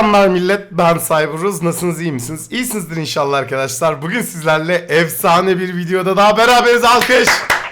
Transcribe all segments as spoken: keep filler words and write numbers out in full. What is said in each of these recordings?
Selamlar millet, ben Cyberuz. Nasılsınız, iyi misiniz? İyisinizdir inşallah arkadaşlar. Bugün sizlerle efsane bir videoda daha beraberiz. Alkış!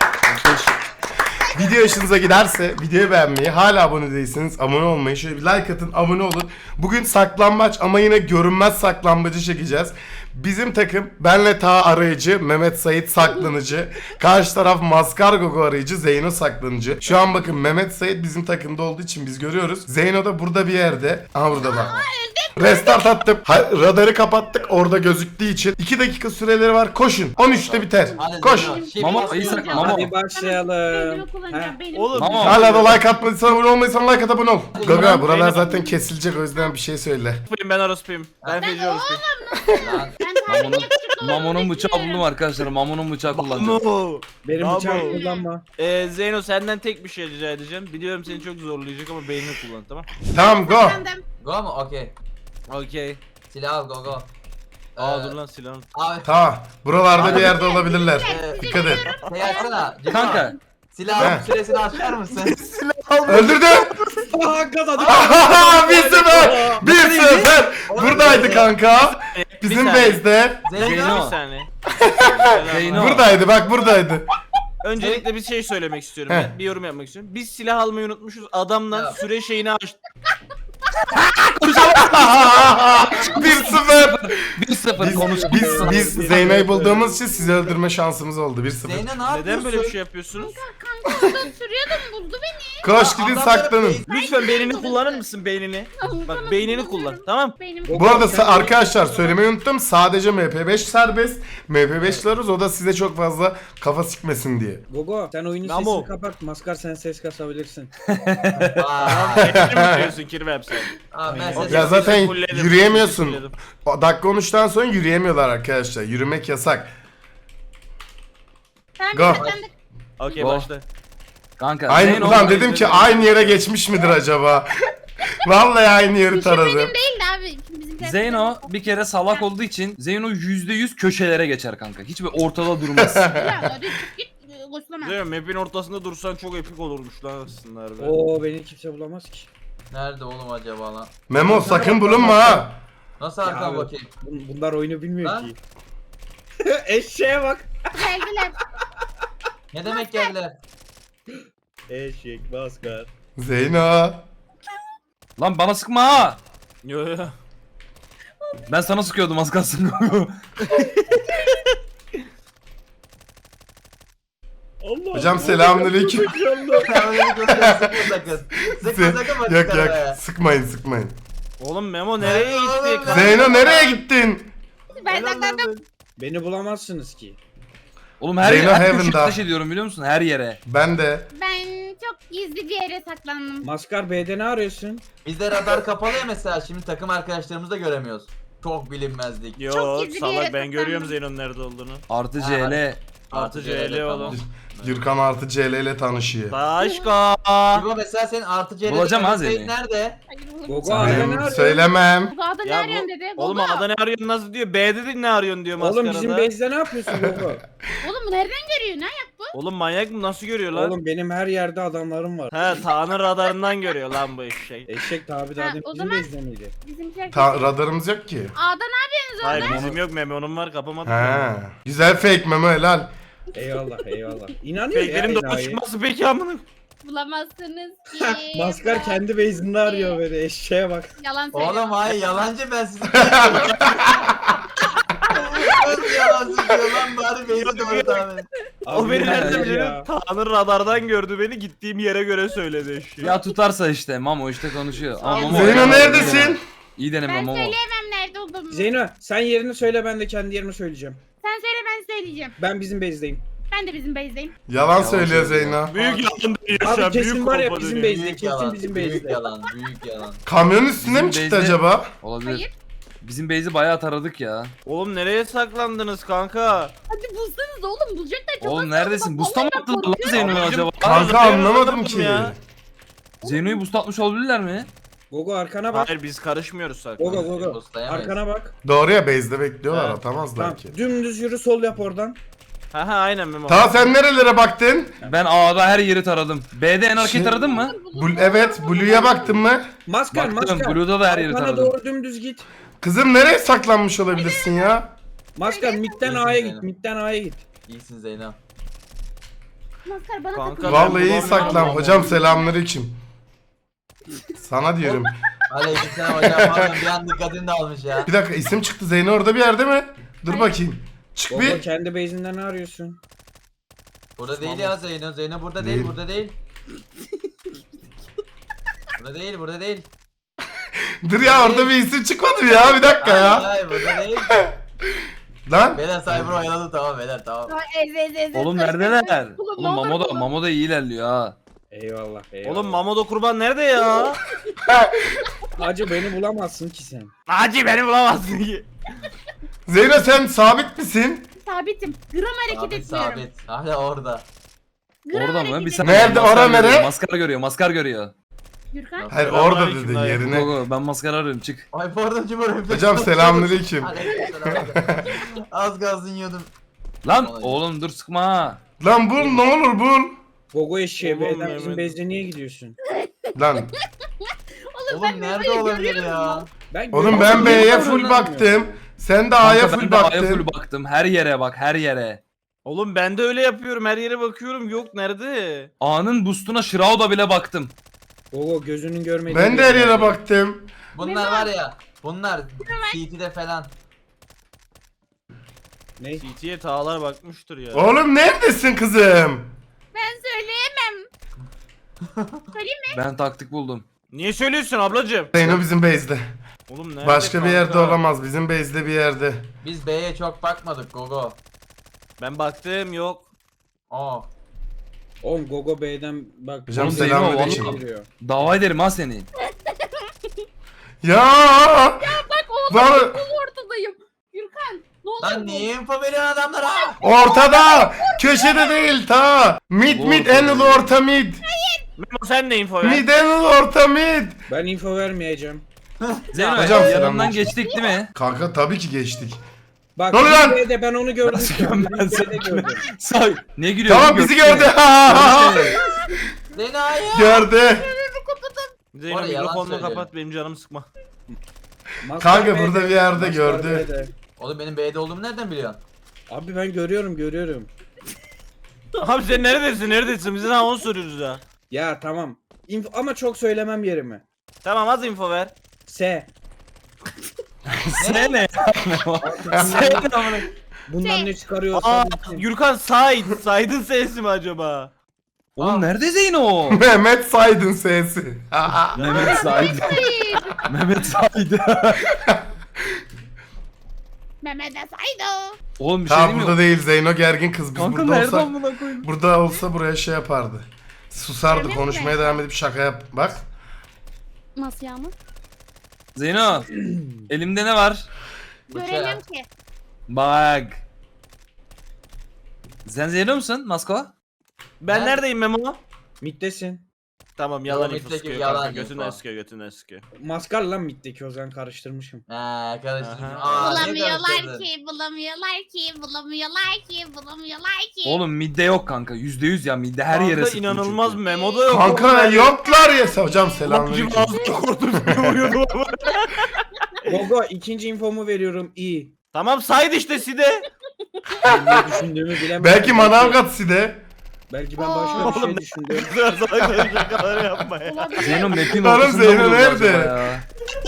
Video hoşunuza giderse videoyu beğenmeyi, hala abone değilseniz abone olmayı, şöyle bir like atın, abone olun. Bugün saklambaç ama yine görünmez saklambacı çekeceğiz. Bizim takım benle Ta arayıcı, Mehmet Sait saklanıcı, karşı taraf Maskar Gogo arayıcı, Zeyno saklanıcı. Şu an bakın Mehmet Sait bizim takımda olduğu için biz görüyoruz. Zeyno da burada bir yerde. Aha burada bak. Restart attım. Ha, radarı kapattık orada gözüktüğü için. iki dakika süreleri var. Koşun. on üçte biter. Hadi Koş. Zeyno, şimdi Mama, nasıl iyi sak- yapacağız? Mama. Hadi başlayalım. Oğlum Mama. Hala da like atmadıysan, abone olmaysan like at, abone ol. Gaga buralar zaten kesilecek, o yüzden bir şey söyle. ben orospuyum. Ben feci orospuyum. Lan, Mamonun, Mamonun bıçağı buldum arkadaşlar. Mamonun bıçağı kullanacağım. Bravo. Benim Bravo. bıçağımı kullanma. Ee, Zeyno senden tek bir şey rica edeceğim. Biliyorum seni çok zorlayacak ama beynini kullan, tamam? Tamam go. go mu? Okey. Okey. Silah al go go. Aa Ee, dur lan silahını. Abi Tamam. Buralarda bir yerde olabilirler. e, Dikkat et. şey açsana. Cino, Kanka. Silahın He. süresini açar mısın? Öldürdü. Aa kazandık. bir sıfır. bir sıfır. Buradaydı kanka. Bizim Bir saniye. base'de. Bir Zeyno. saniye. Zeyno. Buradaydı bak, buradaydı. Öncelikle bir şey söylemek istiyorum. Heh. Ben bir yorum yapmak istiyorum. Biz silah almayı unutmuşuz. Adamla Ya. süre şeyini açtı. bir sıfır. bir sıfır Biz, konuş. biz, biz Zeyno'yu bulduğumuz için sizi öldürme şansımız oldu. bir sıfır. Zeyno ne yapıyorsun? Neden böyle bir şey yapıyorsunuz? Sürüyordum buldu beni. Koş gidin Adamları saklanın. base- Lütfen beynini kullanır mısın beynini? Bak beynini kullan, tamam? Benim Bu arada sa- arkadaşlar söylemeyi unuttum. Sadece M P beş serbest. M P beş'larız, o da size çok fazla kafa sikmesin diye. Gogo sen oyunun Mamo. sesini kapat. Maskar sen ses kasabilirsin. Aa, Beynini mi diyorsun Kirvem sen? Abi ben Okey. sesi Ya zaten Fulledim, yürüyemiyorsun. fulledim. O dakika on üçten sonra yürüyemiyorlar arkadaşlar. Yürümek yasak. Tamam, Go. sen de Okey Go. başla. Kanka. Aynı Zeyno ulan orada dedim ki izledi. aynı yere geçmiş midir acaba? Vallahi aynı yeri benim taradım. değil de abi. Bizimkiler Zeyno bir kere salak olduğu için Zeyno yüzde yüz köşelere geçer kanka. Hiçbir ortada durmaz. Ya hadi çık git. Koşlama. Zeyno map'in ortasında dursan çok epik olurmuş lan aslında harbi. Oo beni kimse bulamaz ki. nerede oğlum acaba lan? Memo sakın bulunma ha. Nasıl Ya arkama abi. bakayım? Bun- Bunlar oyunu bilmiyor Lan. ki. Eşeğe bak. Geldiler. Ne demek geldiler? Eşek maskar. Zeyno. Lan bana sıkma ha. Yo yo. Ben sana sıkıyordum az kalsın. Allah Hocam selamünaleyküm. Sen öyle bir göster, sıkma sakın. Sıkma sakın bak Yok yukarı yok, be. sıkmayın sıkmayın. Oğlum Memo nereye Oğlum, gitti? ben- Zeyno nereye gittin? Ben saklandım. Beni bulamazsınız ki. Oğlum her Zeyno yere her Heaven'da. köşeye ateş ediyorum biliyor musun? Her yere. Ben de. Ben çok gizli bir yere saklandım. Maskar B'de ne arıyorsun? Bizde radar kapalı ya mesela, şimdi takım arkadaşlarımızı da göremiyoruz. Çok bilinmezlik. Yo Çok gizli bir salak yere ben görüyorum saklandım. Zeyno'nun nerede olduğunu. Artı Ha, C L. Artı C L oğlum. Gürkan artı C L ile tanışıyor. Başka. İbo mesela senin artı C'de Bulacağım ha Zeyno'yu. nerede? Hayır oğlum. Gogo A'da ne Benim arıyorsun? söylemem. Bu dağda ne Ya arıyorsun bu, dedi. oğlum Gogo. A'da ne arıyorsun nasıl diyor? B'de de ne arıyorsun diyor maskarada. Oğlum bizim base'de ne yapıyorsun Gogo? Oğlum bu nereden görüyor? Ne ayak bu? Oğlum manyak mı nasıl görüyor lan? Oğlum benim her yerde adamlarım var. He Ta'nın radarından görüyor lan bu eşek. Eşek tabi daha Ha, demin o bizim zaman- base'de miydi? Bizimkiler. Ta- radarımız yok ki. A'da ne yapıyorsunuz Hayır orada? bizim yok Memo'nun var kapamadık. Ha. Güzel fake Memo, helal. Eyvallah eyvallah. İnanıyor ya Fake'lerin doğru enayi. çıkması peki amına. Bulamazsınız ki. Maskar kendi base'inde arıyor böyle eşeğe bak. Yalan söylüyor. Oğlum hayır, yalancı, ben sizi Nasıl yalan söylüyor lan, bari beni doğru tahmin et. O beni nereden hayır biliyor? ya. Ta'nın radardan gördü beni gittiğim yere göre söyledi eşek. Ya tutarsa işte Mamo işte konuşuyor. Ama Mamo Zeyno neredesin? İyi deneme Ben Mamo. söyleyemem nerede olduğumu. Zeyno sen yerini söyle, ben de kendi yerimi söyleyeceğim. Sen söyle ben söyleyeceğim. Ben bizim base'deyim. Ben de bizim base'deyim. Yalan söylüyor Zeyno. Büyük yalan dönüyor şu Abi an kesin büyük var ya kompa bizim dönüyor. base'de. Büyük Kesin yalan, bizim büyük base'de. yalan, büyük yalan. Kamyonun üstüne Bizim mi çıktı base'de- acaba? Olabilir. Hayır. Bizim base'i bayağı taradık ya. Oğlum nereye saklandınız kanka? Hadi bulsanız oğlum bulacaklar çok Oğlum az neredesin? kaldı. Busta mı Vallahi attılar lan korkuyorum. Zeyno'yu Abicim, acaba? Kanka Zeyno'yu anlamadım anlamadım ki. ya. Zeyno'yu boost atmış olabilirler mi? Gogo arkana bak. Hayır biz karışmıyoruz Gogo saklan. Gogo. Dostayamayız. Arkana bak. Doğru ya, base'de bekliyorlar, Evet. atamazlar Tamam. ki. Dümdüz yürü, sol yap oradan. Aha aynen Memo. Ta sen nerelere baktın? Ben A'da her yeri taradım. B'de en arkayı Şey- taradın mı? Bul evet, Blue'ya baktın mı? Maskar Baktım, maskar. Blue'da da her yeri Arkana taradım. doğru dümdüz git. Kızım nereye saklanmış olabilirsin ya? Maskar midden İyisin A'ya Zeynep. git. Midden A'ya git. İyisin Zeynep. Maskar bana Kanka, takılıyor. Vallahi iyi bulamıyorum. saklan. Hocam selamünaleyküm. Sana diyorum. Aleykümselam hocam. Pardon bir an dikkatim dağılmış ya. Bir dakika, isim çıktı. Zeyno orada bir yerde mi? Dur Hayır. bakayım. Çık Gogo bir. kendi base'inden ne arıyorsun? Burada değil ya Zeyno. Zeyno burada Değil. değil, burada değil. Burada değil, burada değil. Dur ya, orada bir isim çıkmadı mı ya? Bir dakika Hayır, ya. hayır burada değil. Lan. Beyler Cyber oyaladı tamam beyler tamam. Aa, Ez ez ez. Oğlum ez, ez, neredeler? ez. Oğlum, Oğlum ne olur Mamo da, bulun. Mamo da iyi ilerliyor ha. Eyvallah eyvallah. Oğlum Mamodo kurban nerede ya? Hacı beni bulamazsın ki sen. Hacı beni bulamazsın ki. Zeyno sen sabit misin? Sabitim. Gram hareket Sabit etmiyorum. sabit. Hala orada. Gram Orada mı? hareket Bir etmiyorum. saniye. Nerede? Maskar Ora görüyor, nere? Maskar görüyor, maskar görüyor. Gürkan. Hayır, Selamünaleyküm orada dedi dayı. yerine. Gogo ben maskar arıyorum çık. Ay pardon Cumhur. Hocam selamünaleyküm. Aleykümselam. Az gazın yiyordum. Lan Olay. oğlum dur sıkma ha. Lan bul, ne olur bul. Gogo eşeğe Oğlum B'den bizim Mehmet. base'e niye gidiyorsun? Lan. Oğlum ben nerede Memo'yu olabilir görüyorum ya? Ben Oğlum ben görüyorum. B'ye Oğlum, full oğlum. baktım. Sen de A'ya Kanka, full ben de A'ya baktın. full baktım. Her yere bak her yere. Oğlum ben de öyle yapıyorum. Her yere bakıyorum. Yok nerede? A'nın boostuna Shroud'a bile baktım. Gogo gözünün görmediği. Ben de her bir yere yerde. baktım. Bunlar Memo. var ya. Bunlar C T'de falan. Ne? C T'ye tağlar bakmıştır ya. Oğlum neredesin kızım? Ben söyleyemem. Söyleyeyim mi? Ben taktik buldum. Niye söylüyorsun ablacığım? Zeyno bizim base'de. Oğlum nerede Başka bir kanka? yerde olamaz. Bizim base'de bir yerde. Biz B'ye çok bakmadık Gogo. Ben baktım yok. Oo. Oğlum Gogo B'den bak. Hocam Oğlum, selamünaleyküm. Zeyno, Geliyor. Dava ederim ha seni. Ya! Bak oğlum Lan ortadayım. Gürkan. Ne olur Lan bu? niye info veriyorsun adamlara? ortada! Köşede değil ta! Mid mid en ulu orta mid! Memo sen ne info ver? Mid en ulu orta mid! Ben info vermeyeceğim. Zeyno Hocam, yanından selamünaleyküm. geçtik değil mi? Kanka tabii ki geçtik. Bak Ne oluyor lan? B'de ben onu gördüm. Nasıl şu an. ben Ben seni- B'de gördüm. Say. Ne gülüyorsun? Tamam bizi Gördün gördü. mü? Gördün mü? Seni hayır. Gördü. Zeyno Orada yalan mikrofonunu söylüyor. kapat benim canımı sıkma. Maskar Kanka B'de, burada bir yerde Maskar gördü. B'de. Oğlum benim B'de olduğumu nereden biliyorsun? Abi ben görüyorum görüyorum. Abi sen neredesin neredesin? Biz daha onu soruyoruz ya. Ya tamam. İnfo, ama çok söylemem yerimi. Tamam az info ver. S. Sen ne? Sen ne amına? Bundan S. ne çıkarıyorsan. Aa bilsin. Gürkan Said. Said'in sesi mi acaba? Oğlum nerede Zeyno? Mehmet Saydın sesi. Mehmet Said. Mehmet Said. Mehmet Saydo. Oğlum bir şey Ta diyeyim burada mi? değil, Zeyno gergin kız. Biz Kanka burada nerede olsak, amına koyayım? burada olsa buraya şey yapardı. Susardı, Öyle mi? konuşmaya devam edip şaka yap. Bak. Nasıl yani? Zeyno. Elimde ne var? Göremiyorum ki. Bak. Sen Zeyno musun Masko? Ben Ben- neredeyim Memo? Middesin. Tamam yalan Yalan info info, sıkıyor yalan kanka. Götünden info. sıkıyor götünden sıkıyor. Maskar lan middeki o zaman karıştırmışım. He karıştırdım. Aha. Aa, niye Bulamıyorlar karıştırdın? ki, bulamıyorlar ki, bulamıyorlar ki, bulamıyorlar ki. Oğlum midde yok kanka. Yüzde yüz ya midde her Kanka yere sıktım inanılmaz çünkü. Memo da yok. Kanka oğlum. yoklar ya. Hocam Bak şimdi selamünaleyküm. ağzını korktum vuruyordum ama. Gogo ikinci infomu veriyorum iyi. Tamam Said işte Side. Ben ne düşündüğümü bilemem. Belki Manavgat Side. Belki ben başka bir şey Oğlum, düşündüm. Salak şakalar yapma ya. Olabilir. Zeyno map'in Oğlum, ortasında Zeyno bulundu nerede? acaba ya.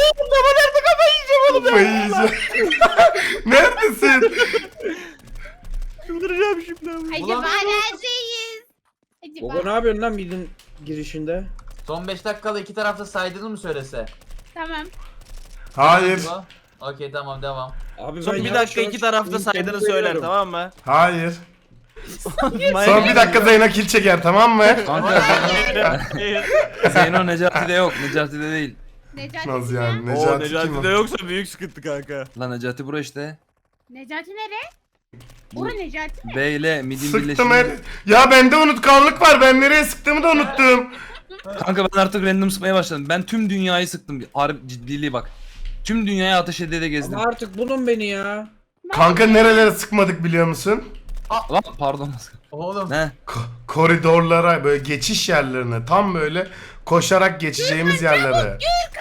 Kafayı yiyeceğim. Neredesin? Çıldıracağım şimdi. Acaba Bulamıyoruz. neredeyiz? Gogo Acaba. ne yapıyorsun lan midin girişinde? Son beş dakikada iki tarafta saydığını mı söylese? Tamam. Hayır. Bu? Okey tamam devam. Abi Son ben bir yavaş dakika yavaş iki tarafta infomu saydığını söyler veriyorum. tamam mı? Hayır. Manyak Son bir dakika Zeyno kill çeker, tamam mı? Kanka Hayır. Zeyno Necati'de yok. Necati'de değil. Necati Nasıl ya? yani? Oo Necati kim Necati'de o? yoksa büyük sıkıntı kanka. Lan Necati bura işte. Necati nere? Bu- Ora Necati mi? B ile midin Sıktım her... birleşimi. Ya bende unutkanlık var. Ben nereye sıktığımı da unuttum. Kanka ben artık random sıkmaya başladım. Ben tüm dünyayı sıktım. Harbi ciddiliği bak. Tüm dünyayı ateş ede de gezdim. Ama artık bulun beni ya. Kanka nerelere sıkmadık biliyor musun? Lan pardon. Oğlum. Ne? Ko- koridorlara böyle geçiş yerlerine tam böyle koşarak geçeceğimiz yerlere.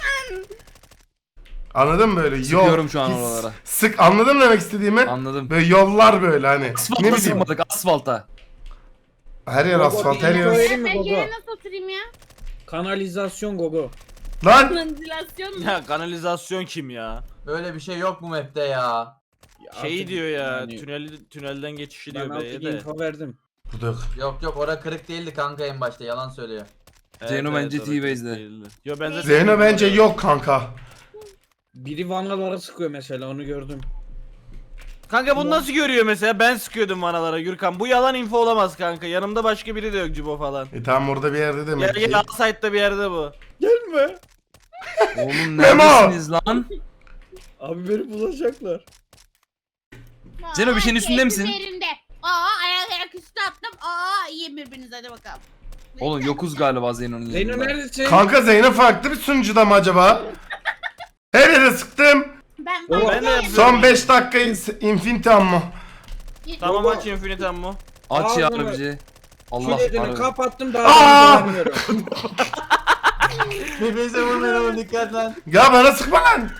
Anladın mı böyle yol? Sıkıyorum şu an his- oralara. Sık anladın mı demek istediğimi? Anladım. Böyle yollar böyle hani. Ne Asfalta bileyim. sıkmadık asfalta. Her yer Gogo, asfalt her bir yer. info Ben, verin mi ben Gogo? yere nasıl oturayım ya? Kanalizasyon Gogo. Lan Ventilasyon mu? Ya kanalizasyon kim ya? Böyle bir şey yok bu map'te ya. Şey Artık diyor ya, yani tünel tünelden geçişi Ben diyor artık B'ye de. info verdim. buraduk. Yok yok ora kırık değildi kanka en başta yalan söylüyor. Zeyno bence orası T-Base'de. değildi. Yo ben zaten Zeyno bence yok kanka. Biri vanalara sıkıyor mesela onu gördüm. Kanka bunu nasıl görüyor mesela? Ben sıkıyordum vanalara Gürkan. Bu yalan info olamaz kanka. Yanımda başka biri de yok Cibo falan. E tamam orada bir yerde Gel demek ki. gel outside'da bir yerde bu. Gelme. Oğlum Memo! neredesiniz lan? Abi beni bulacaklar. Zeno, bir şeyin Aa, üstünde misin? keyfim yerinde. Aa ayak ayak üstü attım. Aa iyi birbirinize hadi bakalım. Oğlum yokuz galiba Zeyno'nun Zeyno yanında. neredesin? Kanka Zeyno farklı bir sunucuda mı acaba? Her yere sıktım. Ben Oğlum, ben de yapıyorum. Son beş dakika in- Infinity ammo. Tamam Baba. aç Infinite Ammo. Aç ya Ağzını- bizi. Allah Kiledini harbi. kapattım Aa! daha da vermiyorum. Birbirinize vurmayın oğlum dikkat lan. Ya bana sıkma lan.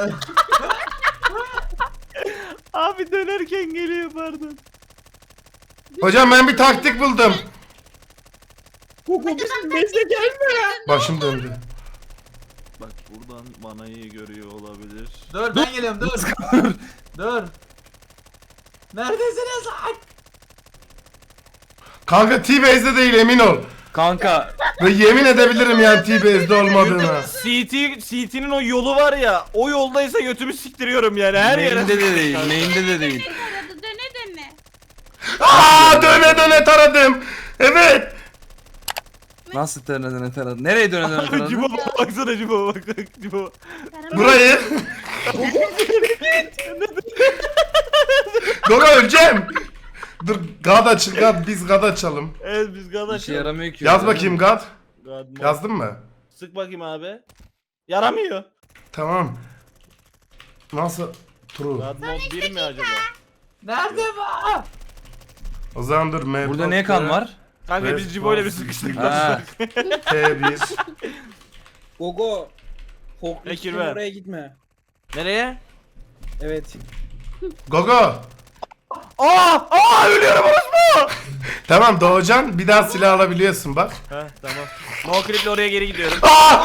Abi dönerken geliyor pardon. Hocam ben bir taktik buldum. Gogo bizim bezle gelme. Başım döndü. Bak buradan vanayı görüyor olabilir. Dur ben geliyorum dur. Dur. Neredesiniz lan? Kanka T-Base'de değil emin ol. Kanka Ve yemin edebilirim yani T-Base'de olmadığını. C T C T'nin o yolu var ya. O yoldaysa götümü siktiriyorum yani her yere. main'de de değil, main'de de değil. Aradı döne döne. Aa döne döne taradım. Evet. Nasıl döne döne taradı? Nereye döne döne taradı? Cibo baksana Cibo bak bak Cibo. Burayı. Doga öleceğim. Dur God açın God biz God açalım. Evet biz Bir kardeş. şey yaramıyor ki. Yaz bakayım God. God mod. Yazdın mı? Sık bakayım abi. Yaramıyor. Tamam. Nasıl? True. God mod bir mi acaba? Nerede bu? O zaman dur M. Burada ne kan var? Kanka Evet, biz Cibo'yla bir lazım. sıkıştık. Ha. T bir. Gogo. Bekir Forkliftin ver. oraya gitme. Nereye? Evet. Gogo. Aa! Aa ölüyorum orospu! Tamam Doğucan bir daha silah alabiliyorsun bak. Heh tamam. No clip'le oraya geri gidiyorum.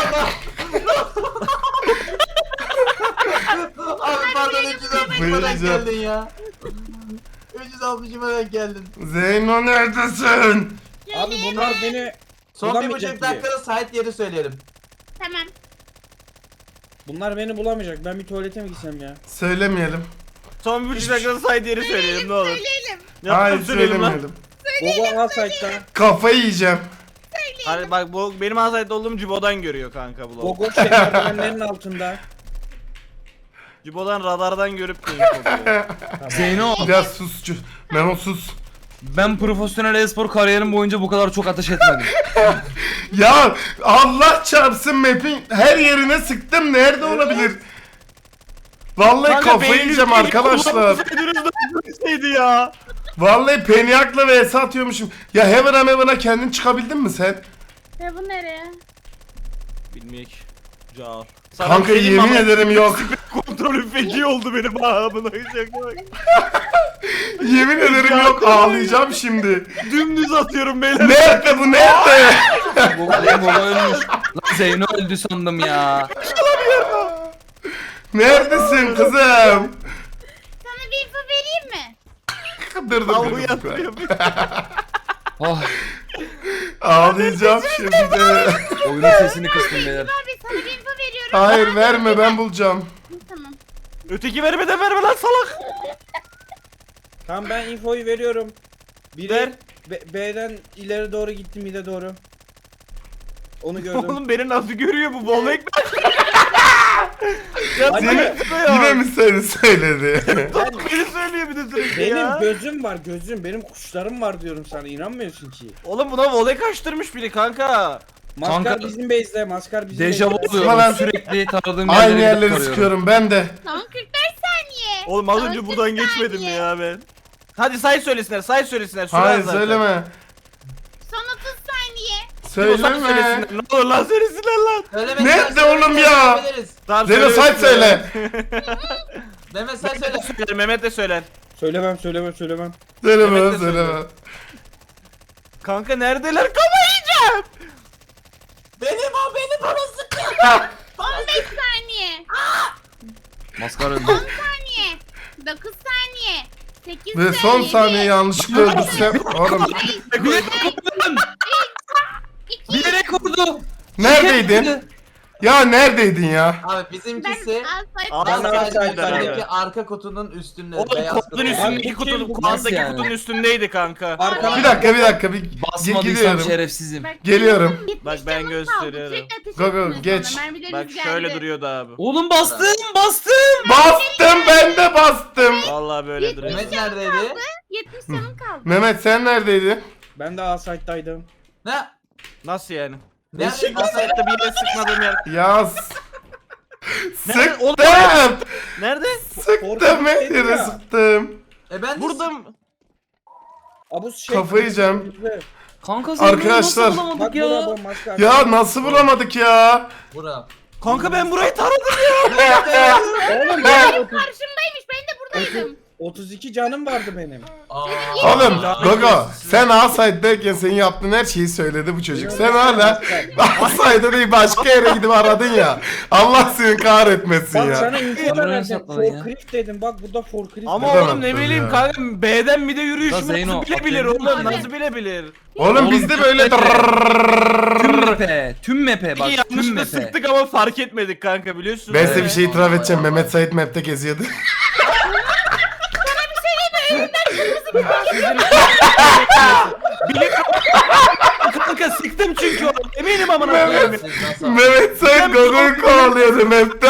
Abi pardon üç yüz altmışıma denk Buyuracağım. geldin ya. üç yüz altmışıma denk geldin. Zeyno neredesin? Abi bunlar beni Son bir bulamayacak buçuk diye. dakikada site yeri söyleyelim. Tamam. Bunlar beni bulamayacak. Ben bir tuvalete mi gitsem ya? Söylemeyelim. Son bir buçuk dakikada side yeri söyleyelim ne olur. Söyleyelim. Hayır Yaptım söyleyelim lan. söylemeyelim. Gogo al site'da. Kafayı yiyeceğim. Hani bak bu benim outside olduğum Cibo'dan görüyor kanka bu lavuk. Gogo şey merdivenlerin altında. Cibo'dan radardan görüp de oluyor. Zeyno, Biraz susçu. Memo sus. ben profesyonel e-spor kariyerim boyunca bu kadar çok ateş etmedim. Ya Allah çarpsın map'in her yerine sıktım. Nerede olabilir? Vallahi Kanka, kafayı beyniniz yiyeceğim değil, arkadaşlar. kullansaydınız da böyleseydi ya. Vallahi Peniak'la vs atıyormuşum. Ya Heaven'a Heaven'a kendin çıkabildin mi sen? Ya bu nereye? Bilmeyek. Car. Kanka yemin ederim yok. Kontrolüm feci oldu benim ha buna şaka bak. Yemin ederim yok. Ağlayacağım şimdi. Dümdüz atıyorum beyler. Nerede bu nerede? Baba, baba ölmüş. Lan Zeyno öldü sandım ya. Neredesin kızım? Sana bir info vereyim mi? Dur dur Tavuğu dur. yatırıyor. Oh, Ağlayacağım şimdi. oyunun sesini kıstım beyler. Abi sana bir info veriyorum. Hayır verme ben bulacağım. Tamam. Öteki vermeden verme lan salak. Tamam ben infoyu veriyorum. Biri Ver. B- B'den ileri doğru gitti mid'e doğru. Onu gördüm. Oğlum beni nasıl görüyor bu bol ekmek? Ya Hadi. beni Yine, söylüyor. yine mi seni söyledi? Beni söylüyor bir de sürekli Benim ya. gözüm var gözüm. Benim kuşlarım var diyorum sana. İnanmıyorsun ki. Oğlum buna voley kaçtırmış biri kanka. Maskar Kanka- bizim base'de. Maskar bizim Dejavu base'de. Sıkma lan. oluyorum sürekli taradığım Aynı yerlere gidip yerleri tarıyorum. sıkıyorum ben de. Tamam kırk beş saniye. Oğlum az Tamam, önce kırk buradan geçmedim mi saniye. ya ben? Hadi say söylesinler, say söylesinler. Süre Hayır az zaten. söyleme. Son otuz saniye. Say Söyleme. söylesinler. Ne olur lan söylesinler lan. Söylemek Nerede istersen oğlum ya? söyleyebiliriz. Tamam, Zeno say söyle. Mehmet sen söyle. Söyler, Mehmet de söyler. Söylemem söylemem söylemem. Söyleme Mehmet de söyleme. söylüyor. Kanka neredeler? Kafa yiyeceğim. Benim o benim bana sıkıyor. on beş saniye. Maskara öldü. on saniye. dokuz saniye. sekiz Ve saniye. son saniye yanlışlıkla öldürsem. Oğlum Bilerek vurdum. Bilerek vurdu. neredeydin? Ya neredeydin ya? Abi Ben bizimkisi Aa, ben Ben sadece outside'daydım. yukarıdaki arka kutunun üstünde. Oğlum beyaz kutunun kutu. üstündeki Abi, kutunun, bu kim? kuandaki Nasıl yani? kutunun üstündeydi kanka. Arkana Bir dakika bir dakika bir Basmadıysam gidiyorum. şerefsizim. Geliyorum. Bak ben gösteriyorum. Go, go, geç. Bak şöyle duruyordu abi. Oğlum bastım bastım. Bastım ben de bastım. Vallahi böyle duruyor. Mehmet neredeydi? yetmiş canım kaldı. Mehmet sen neredeydin? Ben de A-Side'daydım. Ne? Nasıl yani? Nerede? Asaytta bir yere sıkmadığım yer. Ya s- Nerede? Oğlum, sıktım. Nerede? Sıktım her yere ya. sıktım. E ben de Burada mı? Abuz şey. Kafayı yiyeceğim. Kanka Zeyno'yu Arkadaşlar. nasıl bulamadık Bak ya? bura bak maskar. Ya nasıl bulamadık ya? Bura. Kanka ben burayı taradım. Oğlum ben otuz, Karşımdaymış. Ben de buradaydım. otuz iki canım vardı benim. Aa. Oğlum Gogo sen A-Side'dayken senin yaptığın her şeyi söyledi bu çocuk. Sen hala A-Side'da değil başka yere gidip aradın ya. Allah seni kahretmesin Bak ya. sana info Kamerayı vereceğim. sakladın ya. Forklift dedim. Bak burada forklift. Ama Neden oğlum ne yaptın bileyim ya? kanka B'den bir de yürüyüş Ya Zeyno, nasıl bilebilir atlayabilir oğlum miyim? nasıl bilebilir? Oğlum bizde böyle Tüm mepe. Tüm mepe bak. Peki Tüm yanlışlıkla mepe. sıktık ama fark etmedik kanka biliyorsun. Ben size bir Evet. şey itiraf edeceğim. Mehmet Sait map'te geziyordu. Kanka sıktım çünkü oğlum. Eminim amına Mehmet. koyayım. Siz nasıl? Mehmet Sait Gogo'yu kovalıyordu map'te.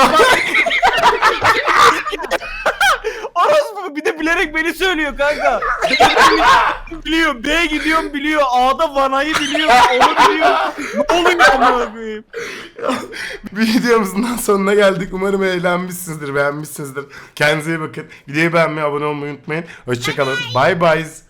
Orospu bir de bilerek beni söylüyor kanka. biliyor. B gidiyorum biliyor. A'da vanayı biliyor. Onu biliyor. Ne oluyor amına koyayım? Videomuzun sonuna geldik. Umarım eğlenmişsinizdir, beğenmişsinizdir. Kendinize iyi bakın. Videoyu beğenmeyi, abone olmayı unutmayın. Hoşçakalın. Bye bye.